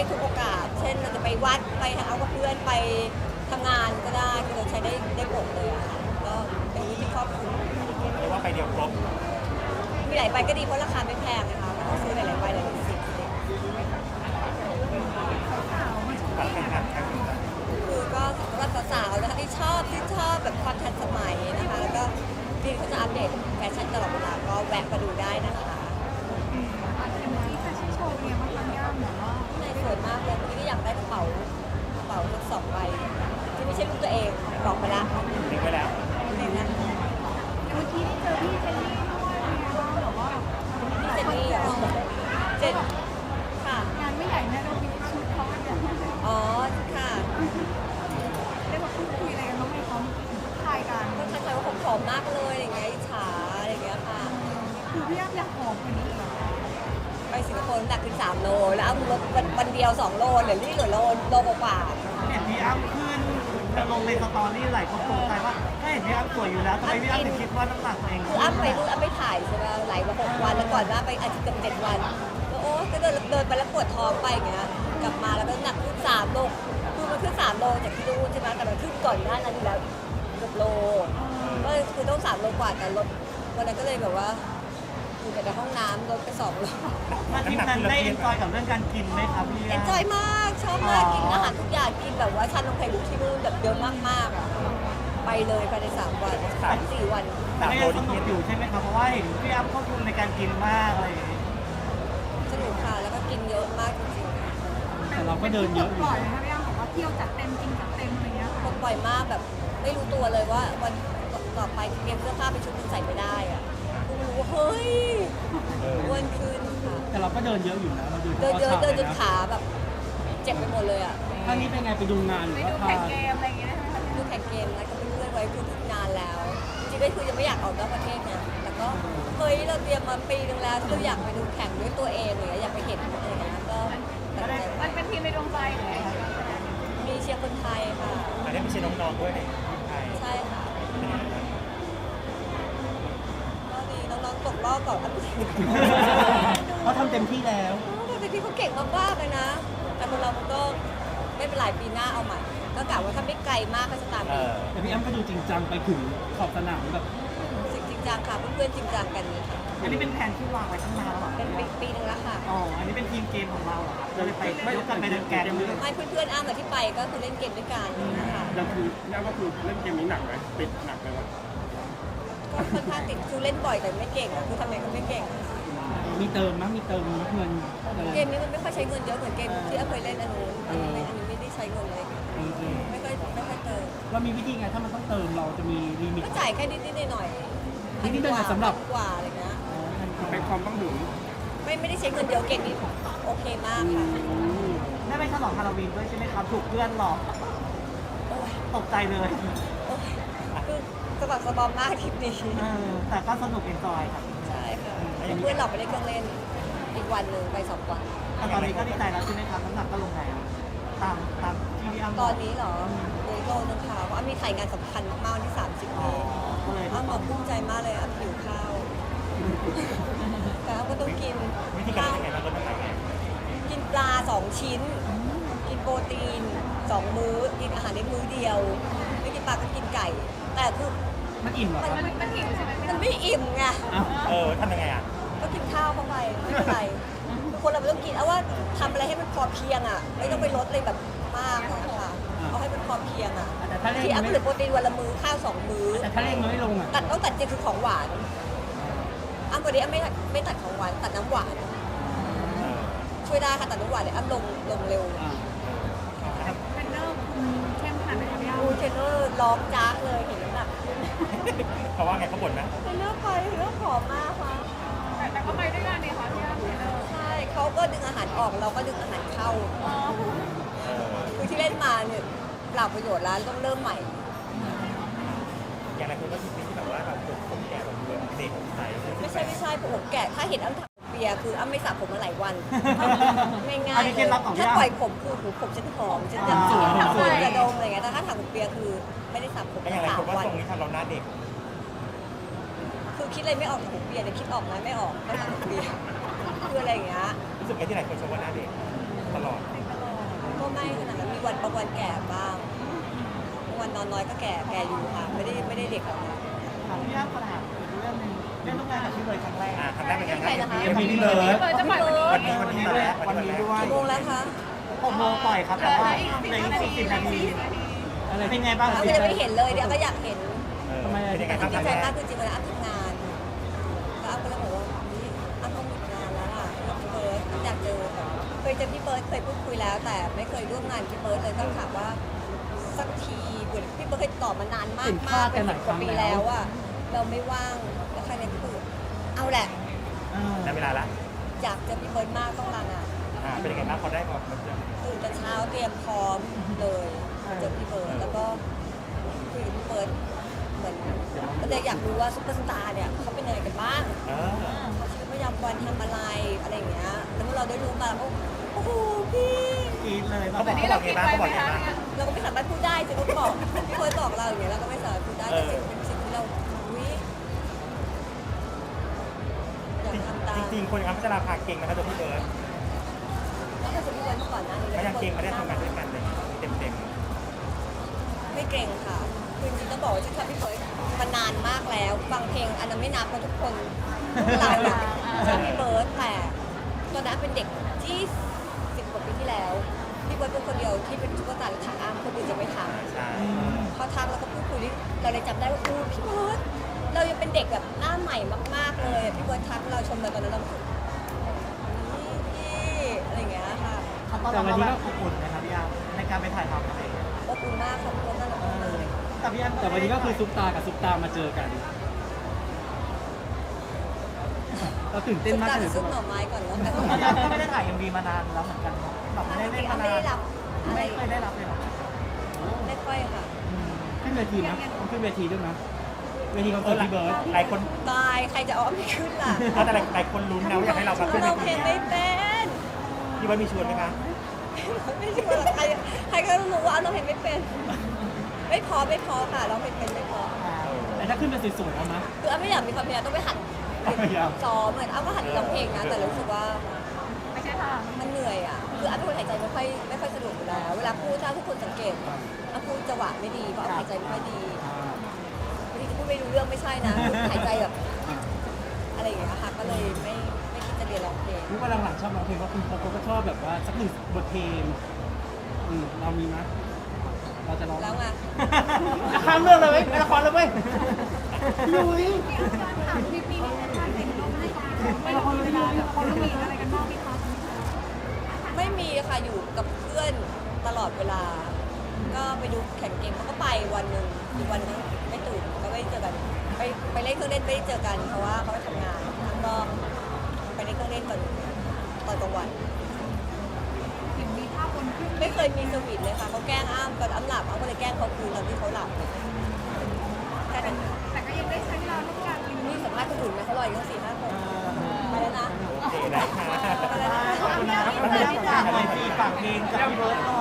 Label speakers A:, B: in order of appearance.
A: ทุกโอกาสเช่นเราจะไปวัดไปหาเอากับเพื่อนไปทำงานก็ได้คือเราใช้ได้หมดเลยอะค่ะก็เป็นวิธีครอบคลุม
B: เรียกว่าไปเดียวครบ
A: มีหลายใบก็ดีเพราะราคาไม่แพงนะคะไม่ต้องซื้อหลายๆใบหลายๆสิบ
B: แบบเป็นงานแข่งขัน
A: คือก็สำหรับสาวๆนะคะที่ชอบแบบความทันสมัยนะคะแล้วก็พี่เขาจะอัปเดตแฟชั่นตลอดเวลาก็แวะมาดูได้นะคะ
C: อย่างเมื่อกี้แฟชั่นโชว์เนี่ยมันทำยากเหมือนว่า
A: ในสวยมากเลยพี่ก็อยากได้กระเป๋าทั้งสองใบที่ไม่ใช่รูปตัวเองบอกไปละ
B: ทิ้งไว้แล้ว
A: นี่นะ
C: เมื่อกี้ได้เจอพี่เจนนี่ด้วยแบบว่า
A: พี่เจนนี่เหรอเจนค่ะ
C: งานไม่ใหญ่แน่เรามีชุดเขาเนี่ย
A: อ๋อค่ะ
C: ได้มาพูดคุยอะไรกันบ้างไหมเขาถ่ายกัน
A: ก็ทักทายว่าผมผอมมากเลยอะไรเงี้ยอิจฉาอะไรเงี้ยค่ะ
C: คือพี่อ้ำอยากหอมกว่านี้เหรอ
A: ไปสิงคโปร์น้ำหนักขึ้น3 โลแล้วเอาลดวันเดียว2 โลเหลือเหลือโลกว่า
D: เห็นพี่อ้ำขึ้นจะลงในสตอรี่หลายคนสงสัยว่าถ้าเห็นพี่อ้ำสวยอยู่แล้วทำไมพี่อ้ำถึงคิดว่าน้ำหนักตัวเอง
A: คืออ้ำไปนู่นอ้ำไปถ่ายใช่ไหมไหลมา6 วันแล้วก่อนหน้าไปอาทิตย์เกือบ7 วันแล้วโอ้ก็เดินไปแล้วปวดท้องไปอย่างเงี้ยกลับมาแล้วก็หนักขึ้น3 โลคือมันขึ้น3 โลจากที่นู่นใช่ไหมแต่มันขึ้นก่อนหน้านั้นอยู่แล้วเกือบโลก็คือต้อง3 โลกว่าแต่ลดวันนั้นก็เลยแบบว่าอยู่แต่ในห้องน้ำลดไป2 โล
D: มาทริปนั้นได้เอนจอยกับเรื่องการกินไหมครับพี่
A: เอนจอยมากชอบมากกินอาหารทุกอย่างกินแบบว่าชานมไข่มุกที่นู่นแบบเยอะมากๆอ่ะไปเลยภายใน3 วัน4 วัน
D: แต่ก็ยังสนุกอยู่ใช่ไหมครับเพราะว่าเห็นพี่อ้ำควบคุมในการกินมากอะไรอย่างเงี้ย
A: สนุกค่ะแล้วก็กินเยอะมากจริงๆ
E: แต่เราก็เดินเยอะอยู่
C: ปล่อยนะคะพี่อ้ำบอกว่าเที่ยวจัดเต็มกินจัดเต็มอะไรเงี้ย
A: คนบ่อยมากแบบไม่รู้ตัวเลยว่าวันต่อไปเตรียมเสื้อผ้าไปชุดนึงใส่ไม่ได้อะเพิ่งรู้ว่าเฮ้ยอ้วนขึ้นค่ะ
E: แต่เราก็เดินเยอะอยู่นะเรา
A: เดินเยอะเดินจน
E: นะ
A: ขาแบบเจ็บไปหมดเลยอ่ะ
E: ครั้งนี้เป็นไงไปดูงานหรือ
C: ไป
E: ว่า
C: ดู
E: พา
C: แข่งเกมอะไรอย่างเงี้ยนะคะ
A: ดูแข่งเกมนะก็เป็นเพื่อนไว้คือนานแล้ว จริงๆก็คือยังไม่อยากออกนอกประเทศนะแต่ก็เฮ้ยเราเตรียมมาปีนึงแล้วที่เราอยากไปดูแข่งด้วยตัวเองเลยอยากไปเห็นอะไรอย่างเงี้ยก็ตัดสินใจ
C: มั
A: ไป
C: นเป็นทีมในดวงใจเลย
A: มีเชียร์คนไทยค่ะ
B: อันนี้ไม่ใช่น้องๆด้วยในไทย
A: ใช่ค่ะก็ดีน้องๆตกรอบก่อนอันดับ
E: เขาทำเต็มที่แล้ว
A: จริงๆเขาเก่งมากๆเลยนะ แต่คนเรามันก็ไม่เป็นไรปีหน้าเอาใหม่ ก็กะว่าถ้าไม่ไกลมากก็จะตาม
B: เอ
A: อีก
B: อ
E: แต่พี่อ้ำก็ดูจริงจังไปถึงขอบสนามแบบ
A: สิ่งจริงจังค่ะเพื่อนๆจริงจังกันนี่ค่ะ
D: อันนี้เป็นแผนที่วางไว้ตั้งนานแล้วเหรอ
A: เป็นปีนึงแล้วค่ะ
D: อ๋ออันนี้เป็นทีมเกมของเราเหรอครับเราเลยไปยกกันไปเดินแกงเลย
A: ให้เพื่อนๆอ้ามาที่ไปก็คือเล่นเกมด้วยกันนะคะ
F: แล้วคือแล้วก็คือเล่นเกมนี้หนักไหมติดหนักไหมวะ
A: ก็ค่อนข้างติดคือเล่นบ่อยแต่ไม่เก่งอะคือทำไงก็ไม่เก่ง
E: มีเติมมั้ยมีเติมเงินอะไร
A: เกมนี้มันไม่ค่อยใช้เงินเยอะเหมือนเกมที่อ้าเคยเล่นอันนู้นอันนี้ไม่ได้ใช้เงินเลย ไม่ค่อยเติม
E: เรามีวิธีไงถ้ามันต้องเติมเราจะมีลิมิต
A: ก็จ่ายแค่นิดๆหน่อยๆ
E: นิดๆหน่อยๆสำหรับ
A: กว่าอะไรเงี้ย
F: เป็นความต้องถึง
A: ไม่ได้ใช้เงินเยอะเก่งนี่โอเคมากค่ะ
D: ได้ไปฉลองฮาโลวีนด้วยใช่ไหมครับถูกเพื่อนหลอก
A: โอ้ย
D: ตกใจเลย
A: โอ้ยคือสะบักสะบอมมากทริปนี้
D: แต่ก็สนุกเอนจอยครับ
A: ใช่ค่ะเพื่อนเราไปเล่นเครื่องเล่น อีกวันหนึ่งไป2 วัน
D: แต่ตอนนี้ก็ดีใจแล้วใช่ไหมครับน้ำหนักก็ลงแล้วตามที่พี่อ้ำบ
A: ต
D: อ
A: อก นนี้เหรอเดโลนึงค่ะเพราะอ้ำมีถ่ายงานสำคัญมากๆวันที่ 30
D: อ๋อ
A: นี้
D: ก็เลย
A: อ้ำบอกภูมิใจมากเลยอ้ำหิวข้าว แต่อ้ำก็ต้องกิน
B: วิธีการเล่นยังไงบ้างก็ต้องทำไง
A: กินปลา 2 ชิ้น กินโปรตีน 2 มื้อ กินอาหารในมื้อเดียว ไม่กินปลาก็กินไก่ แต่คือ
E: มันอิ่มเหรอครับ
C: มันหิวใช่ไหม
A: มันไม่อิ่มไง
E: อ้าว
B: ทำยังไงอ่ะ
A: ก็กินข้าวเข้าไปไม่เป็นไรคือคนเราไม่ต้องกินเอาว่าทำอะไรให้มันพอเพียงอ่ะ ไม่ต้องไปลดเลยแบบมากนะคะเอาให้มันพอเพียงอ่ะ
E: แต่ถ้าเร่ง
A: ที่อัพ
E: ไม่
A: เหลือโปรตีนวันละมื้อข้าว2 มื้อ
E: แต่ถ้าเร่งมันไม่ลงอ่ะ
A: ต้องตัดจริงคือของหวานอ้ำวันนี้อ้ำไม่ตัดของหวานตัดน้ำหวานช่วยได้ค่ะตัดน้ำหวานเลยอ้ำลงเร็ว
C: เป็นเนอร์คุณเข้มขนาดไหนคะพี่อ้ำ
A: อูเทรนเนอร์ร้องจ้ากเลยเห็นน้ำหนักขึ้น
B: เพราะว่าไงเขาบ่นนะ
A: เทรนเนอร์ไปเทรนเนอร์ผอมมากค่ะ
C: แต่ก็ไปด้วยกันเนี่ยค่ะพี่อ้ำเนอร์
A: ใช่เขาก็ดึงอาหารออกเราก็ดึงอาหารเข้า คือที่เล่นมาเนี่ยเปล่าประโยชน์แล้วต้องเริ่มใหม่
B: อย่างไรคุณก็คิดที่แบบว่าแบบผมแก่แบบเด็กใส
A: ไม่ใช่ผมแก่ถ้าเห็นอ้ำทำเปียคืออ้ำไม่สระผมมาหลายวัน ง่าย
D: อันนี้
A: ๆ
D: เคล็ดลับของพี่
A: ถ้า
D: อ้ำ
A: ปล่อยผมคือผมฉันหอมฉันจะ
D: สวย
A: สวยจะดมอะไรเงี้ยแต่ถ้าถังผมเปียคือไม่ได้สระผม
B: แล้วอย่างไร
A: มา
B: คุณว่า
A: 3 วัน
B: ทรงนี้ทำเราหน้าเด็ก
A: คือคิดอะไรไม่ออกถังผมเปียเนี่ยคิดออกนะไม่ออกต้องถังผมเปียคืออะไรอย่างเงี้ย
B: รู้สึกไงที่ไหนคนชมว่าหน้าเด็กตลอด
A: กก็ไม่ขนาดนั้นมีวันบางวันแก่บ้างบางวันนอนน้อยก็แก่อยู่ค่ะไม่ได้เด็กหรอกค่ะ
D: ถามพี่อ้ำขนาดเรื่องหนึงเรื่องร่วมงานกับพี่เบิร์ดครั้งแรก
B: ครั้งแรกเป็นยังไง
A: ใครนะคะ
B: ยังมีพี่เบิร์ด
C: จะปล่อยวันนี้
B: วันนี้ด้วย
D: วันนี้ด้วย
A: กี่โมงแล้วคะ
D: 6 โมงปล่อยครับแต่ว่าในอีก40 นาที
E: อะไร
D: เป็นไงบ้าง
A: เรา
D: พี่
A: ก็ยังไม่เห็นเลยเดี๋ยวก็อยากเห็น
E: ทำไมอะ
B: เป็นยังไงครับ
A: ดี
B: ครั้ง
A: ใจ
B: แร
A: มาก
B: ก
A: คือจริงๆเวลาอัพทำงานแล้วอัพก็เลยบอกว่านี่อัพต้องมีงานแล้วล่ะพี่เบิร์ดอยากเจอแบบเคยเจอพี่เบิร์ดเคยพูดคุยแล้ว แต่ไม่เคยร่วมงานพี่เบิร์ดเลยต้องถามว่าสักทีเหมือนพี่เบิร์ดเคยตอบมานานมากเป็น10 กว่าปีแล้วอะเราไม่ว่างแล้วใครในพี่เบิร์ดเอาแหละ
B: ได้เวลาละ
A: อยากเจอพี่เบิร์ดมากต้องลางาน
B: เป็นยังไงบ้างเขาได้บอกมาเจอ
A: ตื่นแต่เช้าเตรียมพร้อมเลยเจอพี่เบิร์ดแล้วก็คุยกับพี่เบิร์ดเหมือนก็เลยอยากรู้ว่าซุปเปอร์สตาร์เนี่ยเขาเป็นยังไงกันบ้าง เขาชีวิตประจำวันทำอะไรอะไรอย่างเงี้ย แล้วเมื่อเราได้รู้มาแล้วก็โอ้โหพี่
D: กรีดเลย
B: เขาบอกไงบ้างเขาบอกไงบ้าง
A: เราก็ไม่สามารถพูดได้จะก็บอกพี่เบิร์ดบอกเราอย่างเงี้ยเราก็ไม่สามารถพูดได้แต่สิ่งเป็นสิ่งที่เราวิอยากทำตาม
B: จริงๆคนอัพพัชราภาเก่งนะครับตัวพี่เบิร์ด
A: แล้วก็จะพี่เบิร์ดเมื่อก่อนนะ
B: เขายังเก่งไม่ได้ทำงานด้วยกันเลยเต็ม
A: ไม่เก่งค่ะคือจริงๆต้องบอกว่าฉันทำพี่เบิร์ดมานานมากแล้วฟังเพลงอันนั้นไม่นับเพราะทุกคนเราอะชอบพี่เบิร์ดแต่ตอนนั้นเป็นเด็กที่10 กว่าปีที่แล้วพี่เบิร์ดเป็นคนเดียวที่เป็นซุปเปอร์สตาร์และถักอ้ามคนอื่นจะไม่ทำ
B: ๆใช่
A: เขาทักแล้วก็พูดคุยเราเลยจำได้ว่าพี่เบิร์ดเรายังเป็นเด็กแบบหน้าใหม่มากๆเลยพี่เบิร์ดทักเราชมเราตอนนั้นเรารู้สึกพี่อะไรอย่างเงี้ยค่ะ
D: เขาต้อนรับเราแบบอบอุ่นนะครับพี่อ้ำในการไปถ่ายทำอะไรอย่างเงี้ย
A: อบอุ่นมากค่ะพี่เบิร์ดน่ารักมากเลย
D: แต่พี่อ้ำ
E: แต่วันนี้ก็คือซุปตากับซุปตามาเจอกัน เราตื่นเต้นมาก
A: ซุปตา
E: เล
A: จะ
E: ย
A: ซุปหน่อไม้ก่อนแล้วกัน
D: พี่อ้ำก็ไม่ได้ถ่าย MV มานานแล้วเหมือนกันเนาะแบบไม่ได้เล่นมานาน
A: ไม่ได้รับอะไร
D: ไม่เคยได้รับเลยเหรอ
A: ไม่ค่อยค่ะ
E: ขึ้นเวทีนะต้องขึ้นเวทีด้วยนะเวทีคอนเสิร์ตพี่เบิร์ด
B: หลายคน
A: ตายใครจะเอาไม่ขึ้นล่ะ
B: แต่หลายคนลุ้นนะว่าอยากให้เรามาขึ้น
A: เราเพลงไม่เป็น
B: พี่เบิร์ดมีชวนไหมคะ
A: ไม่ใช่ว่าใครก็รู้ว่าเราเพลงไม่เป็น ไม่พอค่ะเราเพลงเป็นไม่พอ
E: แต่ถ้าขึ้นเป็นสวยๆเอาไหม
A: คืออ้ำไม่อยากมีความพยายามต้องไปหัด
E: พยายาม
A: ซ้อมเหมือนอ้ำก็หัดร้องเพลงนะแต่รู้สึกว่า
C: ไม่ใช่ค่ะ
A: มันเหนื่อยอ่ะคืออ้ำเป็นคนหายใจไม่ค่อยสะดวกอยู่แล้วเวลาพูดถ้าทุกคนสังเกตอ้ำพูดจังหวะไม่ดีเพราะอ้ำหายใจไม่ค่อยดีบางทีจะพูดไม่รู้เรื่องไม่ใช่นะหายใจแบบอะไรอย่างเงี้ยค่ะก็เลยไม่คิดจะเรียนร้องเพลง
E: รู้ว่าหลังๆชอบร้องเพลงเพราะคุณพกก็ชอบแบบว่าสักหนึ่งบทเพลงเรามีไหมเราจะร้อง
A: แล้วไง
E: ข้ามเรื่องเลยเว้ยละครเลยเว้ยลุย
C: พี่อ้ำการถามคลิปนี้นี่การเห็นเราไม่ได้ไม่ละครเวลาแบบคนมีอะไรกันบ้างไหมคะ
A: ไม่มีค่ะอยู่กับเพื่อนตลอดเวลา ก็ไปดูแข่งเกมเขาก็ไปวันหนึ่งอีกวันนึงไม่ตื่นก็ไม่ได้เจอกันไปเล่นเครื่องเล่นไม่ได้เจอกันเพราะว่าเขาไปทำงานแล้วก็ไปเล่นเครื่องเล่นตอนกลางวัน
C: เห็นมีภาพบนขึ้น
A: ไม่เคยมีสวีทเลยค่ะเขาแกล้งอ้ำตอนอ้ำหลับอ้ำก็เลยแกล้งเขาคืนตอนที่เขาหลับแค่นั้น
C: แต่ก็ยังได้ใช้เวลาร่วมกัน
A: นี่สัมภาษณ์คนอื่นไหมเขารออยู่ตั้ง4-5 คนไปแล้วนะ
B: โอเคได้ค่ะ
A: ไปแล้วนะ
D: ขอบคุณนะครับพี่อ้ำฝากเพลงกับพี่เบิร์ดหน่อย